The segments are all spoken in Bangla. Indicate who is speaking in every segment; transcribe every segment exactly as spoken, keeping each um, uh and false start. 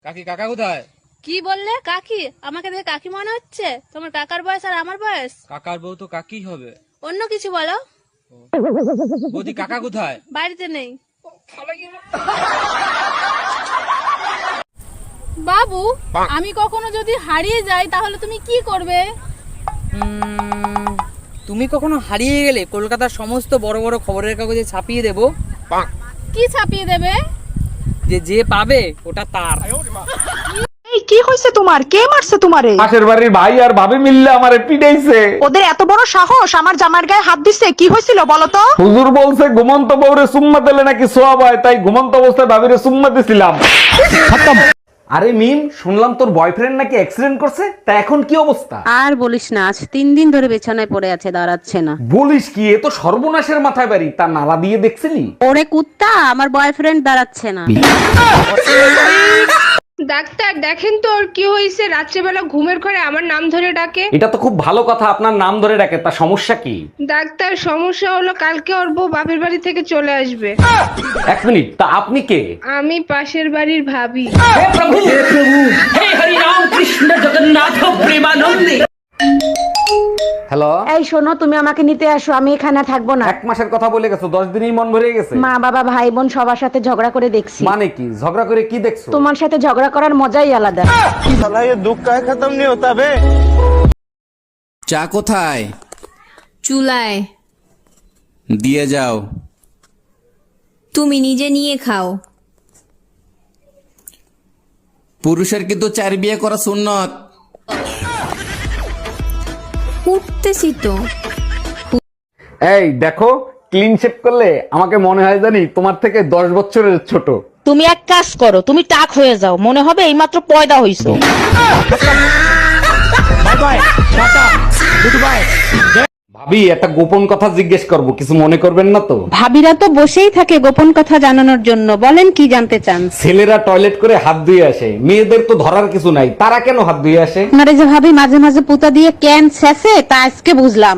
Speaker 1: কাকি কাকা কোথায়?
Speaker 2: কি বললে? কাকি? আমাকে দেখে কাকি মনে হচ্ছে? তোমার কাকার বয়স আর আমার বয়স?
Speaker 1: কাকার বউ তো কাকি হবে।
Speaker 2: অন্য কিছু বলো।
Speaker 1: বৌদি কাকা কোথায়?
Speaker 2: বাড়িতে নেই। বাবু, আমি কখনো যদি হারিয়ে যাই তাহলে তুমি কি করবে?
Speaker 3: উম, তুমি কখনো হারিয়ে গেলে কলকাতার সমস্ত বড় বড় খবরের কাগজে ছাপিয়ে দেব।
Speaker 2: কি ছাপিয়ে দেবে?
Speaker 3: যে যে পাবে ওটা তার।
Speaker 4: এই কি হইছে তোমার? কে মারছে তোমারে?
Speaker 5: পাশের বাড়ির ভাই আর ভাবি মিললে আমারে পিটাইছে।
Speaker 4: ওদের এত বড় সাহস আমার জামার গায়ে হাত দিছে? কি হয়েছিল বলো তো?
Speaker 5: হুজুর বলছে ঘুমন্ত বউরে সুম্মা দিলে নাকি সোয়াব হয়, তাই ঘুমন্ত অবস্থায় ভাবিরে সুম্মা দিছিলাম। আরে মিম, শুনলাম তোর বয়ফ্রেন্ড নাকি অ্যাক্সিডেন্ট করছে, তা এখন কি অবস্থা?
Speaker 6: আর বলিস না, আজ তিন দিন ধরে বিছানায় পড়ে আছে, দাঁড়াচ্ছে না।
Speaker 5: বলিস কি, এ তো সর্বনাশের মাথায় বাড়ি। তা নালা দিয়ে দেখছিলি?
Speaker 6: ওরে কুত্তা, আমার বয়ফ্রেন্ড দাঁড়াচ্ছে না।
Speaker 7: ডাক্তার দেখেন তো ওর কি হয়েছে, রাত্রেবেলা ঘুমের ঘরে আমার নাম ধরে ডাকে।
Speaker 5: এটা তো খুব ভালো কথা, আপনার নাম ধরে ডাকে, তা সমস্যা কি?
Speaker 7: ডাক্তার সমস্যা হলো কালকে ওর বউ বাপের বাড়ি থেকে চলে আসবে।
Speaker 5: এক মিনিট, তা আপনি কে?
Speaker 7: আমি পাশের বাড়ির ভাবি।
Speaker 5: হ্যালো,
Speaker 4: এই শোনো, তুমি আমাকে নিতে আসো, আমি এখানে থাকবো না।
Speaker 5: এক মাসের কথা বলে গেছো, দশ দিনই মন ভরে গেছে।
Speaker 4: মা বাবা ভাই বোন সবার সাথে ঝগড়া করে দেখছি।
Speaker 5: মানে কি ঝগড়া করে কি দেখছো?
Speaker 4: তোমার সাথে ঝগড়া করার মজাই আলাদা।
Speaker 8: চা কোথায়?
Speaker 9: চুলায়।
Speaker 8: দিয়ে যাও।
Speaker 9: তুমি নিজে নিয়ে খাও।
Speaker 8: পুরুষের কিন্তু চার বিয়ে করা সুন্নত।
Speaker 9: উঠতেছি তো।
Speaker 5: এই দেখো, ক্লিন শেপ করলে আমাকে মনে হয় জানি তোমার থেকে দশ বছরের ছোট।
Speaker 4: তুমি এক কাজ করো, তুমি টাক হয়ে যাও, মনে হবে এইমাত্র পয়দা হইছো।
Speaker 5: ভাবি, একটা গোপন কথা জিজ্ঞেস করব, কিছু মনে করবেন না তো?
Speaker 6: ভাবিরা তো বসেই থাকে গোপন কথা জানানোর জন্য, বলেন কি জানতে চান?
Speaker 5: ছেলেরা টয়লেট করে হাত ধুয়ে আসে, মেয়েদের তো ধরার কিছু নাই, তারা কেন হাত ধুয়ে আসে?
Speaker 6: আপনারা যে ভাবি মাঝে মাঝে পুতা দিয়ে ক্যান ছেঁচে, তা আজকে বুঝলাম।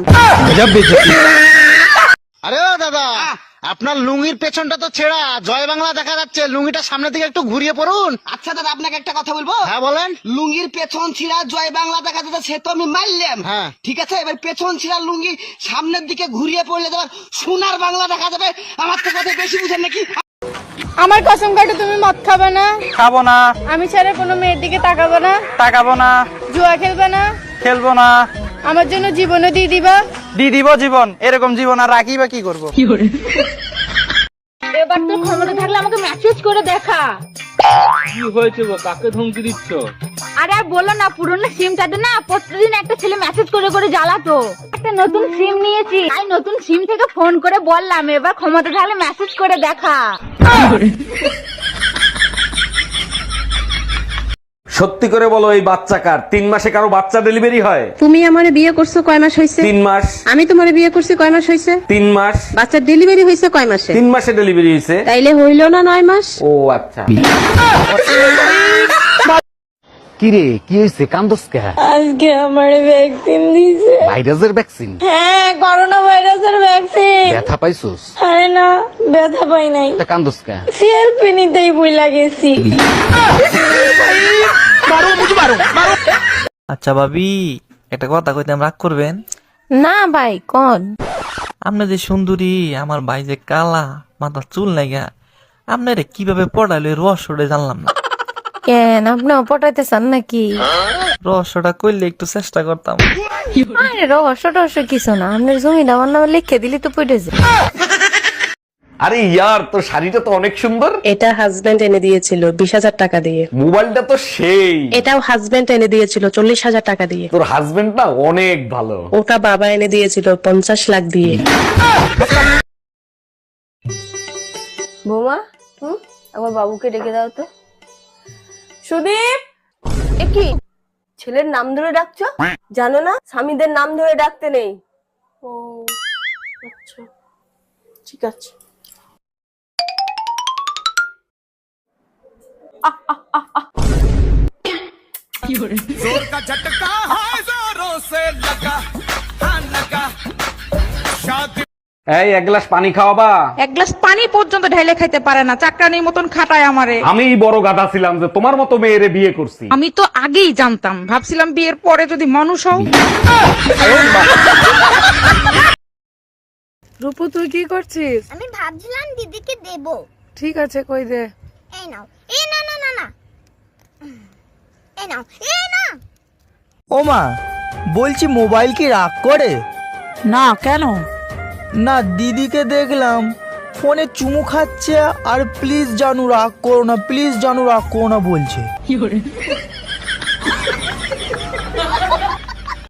Speaker 10: আরে ও দাদা, আপনার লুঙ্গির পেছনটা তো ছেঁড়া, জয় বাংলা দেখা যাচ্ছে, লুঙ্গিটা সামনের দিকে একটু ঘুরিয়ে পড়ুন।
Speaker 11: আচ্ছা দাদা, আপনাকে একটা কথা বলবো?
Speaker 10: হ্যাঁ বলেন।
Speaker 11: লুঙ্গির পেছন ছিঁড়া জয় বাংলা দেখা যাচ্ছে, সে তো আমি মারলাম।
Speaker 10: হ্যাঁ
Speaker 11: ঠিক আছে, এবার পেছন ছিঁড়া লুঙ্গি সামনের দিকে ঘুরিয়ে পড়লে তোমার সোনার বাংলা দেখা যাবে। আমার তো কথা বেশি বুঝেন নাকি?
Speaker 2: আমার কসম কাটে তুমি মদ খাবে না?
Speaker 3: খাবো না।
Speaker 2: আমি ছাড়া কোনো মেয়ের দিকে তাকাবো না?
Speaker 3: তাকাবো না।
Speaker 2: জুয়া খেলবে না?
Speaker 3: খেলবো না।
Speaker 2: আমার জন্য জীবনও দিয়ে দিবা?
Speaker 3: দিয়ে দিব জীবন। এরকম জীবন আর রাখি বা কি করবো?
Speaker 2: এবার তোর ক্ষমতা থাকলে আমাকে মেসেজ করে দেখা।
Speaker 1: কি হয়েছে গো, কাকে ধমকি দিচ্ছ?
Speaker 2: আরে আর বলো না, পুরনো সিমটাতে না প্রতিদিন একটা ছেলে মেসেজ করে করে জ্বালাতো। একটা নতুন সিম নিয়েছি, তাই নতুন সিম থেকে ফোন করে বললাম এবার ক্ষমতা থাকলে মেসেজ করে দেখা।
Speaker 5: সত্যি করে বলো, এই বাচ্চা কার? তিন মাসে কারো বাচ্চা ডেলিভারি হয়?
Speaker 6: তুমি আমারে বিয়ে করছো কয় মাস হয়েছে?
Speaker 5: তিন মাস।
Speaker 6: আমি তোমারে বিয়ে করছি কয় মাস হয়েছে?
Speaker 5: তিন মাস।
Speaker 6: বাচ্চার ডেলিভারি হয়েছে কয় মাসে?
Speaker 5: তিন মাসে ডেলিভারি হয়েছে।
Speaker 6: তাইলে হইল না নয় মাস?
Speaker 5: ও আচ্ছা। কি রে, কি হয়েছে? কান্দস কে?
Speaker 2: আজকে আমার ভ্যাকসিন দিয়েছে।
Speaker 5: ভাইরাসের ভ্যাকসিন?
Speaker 2: হ্যাঁ, করোনা ভাইরাসের ভ্যাকসিন।
Speaker 5: ব্যথা পাইছস?
Speaker 2: আরে না, ব্যথা পাই নাই।
Speaker 5: তা কান্দস কে?
Speaker 2: সেলফি নিতেই ভুলে গেছি।
Speaker 12: আচ্ছা ভাবি, একটা কথা কইতাম, রাগ করবেন
Speaker 2: না ভাই, কোন?
Speaker 12: আপনি যে সুন্দরী, আমার ভাই যে কালা, মাথার চুল নাইগা, আপনারে কিভাবে পড়াইলো রহস্যটা জানলাম না।
Speaker 2: কেন, আপনি পটাইতে চান নাকি?
Speaker 12: রহস্যটা করলে একটু চেষ্টা করতাম।
Speaker 2: আরে রহস্য টহস্য কিছু না, আপনার জমিটা আমার নামে লিখে দিলি তো পড়ে যায়।
Speaker 5: আরে ইয়ার, তোর শাড়িটা তো অনেক সুন্দর।
Speaker 6: এটা হাজবেন্ড এনে দিয়েছিল বিশ হাজার টাকা দিয়ে।
Speaker 5: মোবাইলটা তো সেই।
Speaker 6: এটাও হাজবেন্ড এনে দিয়েছিল চল্লিশ হাজার টাকা দিয়ে।
Speaker 5: তোর হাজবেন্ড না অনেক ভালো।
Speaker 6: ওটা বাবা এনে দিয়েছিল পঞ্চাশ লাখ দিয়ে।
Speaker 2: বৌমা, হুম, আমার বাবুকে ডেকে দাও তো। সুদীপ, এ কি ছেলের নাম ধরে ডাকছো? জানো না স্বামীদের নাম ধরে ডাকতে নেই? ও আচ্ছা, ঠিক আছে।
Speaker 1: जोर का झटका है, जोरों से लगा, हाँ लगा। शादी
Speaker 5: এই এক গ্লাস পানি খাওয়াবা?
Speaker 6: এক গ্লাস পানি পর্যন্ত ঢেলে খাইতে পারে না, চাকরানির মতন খাটায় আমারে।
Speaker 5: আমি বড় গাধা ছিলাম যে তোমার মতো মেয়েরে বিয়ে করছি।
Speaker 6: আমি তো আগেই জানতাম, ভাবছিলাম বিয়ের পরে যদি মানুষ হও।
Speaker 7: রূপু তুই কি করছিস?
Speaker 2: আমি ভাবছিলাম দিদিকে দেব।
Speaker 7: ঠিক আছে, কই দে।
Speaker 2: এই নাও। এই না না না না। এই নাও। এই না।
Speaker 11: ও মা, বলছি মোবাইল কি রাগ করে?
Speaker 6: না, কেন?
Speaker 11: না, দিদিকে দেখলাম ফোনে চুমু খাচ্ছে আর প্লিজ জানু রাগ করো না, প্লিজ জানু রাগ করো না বলছে।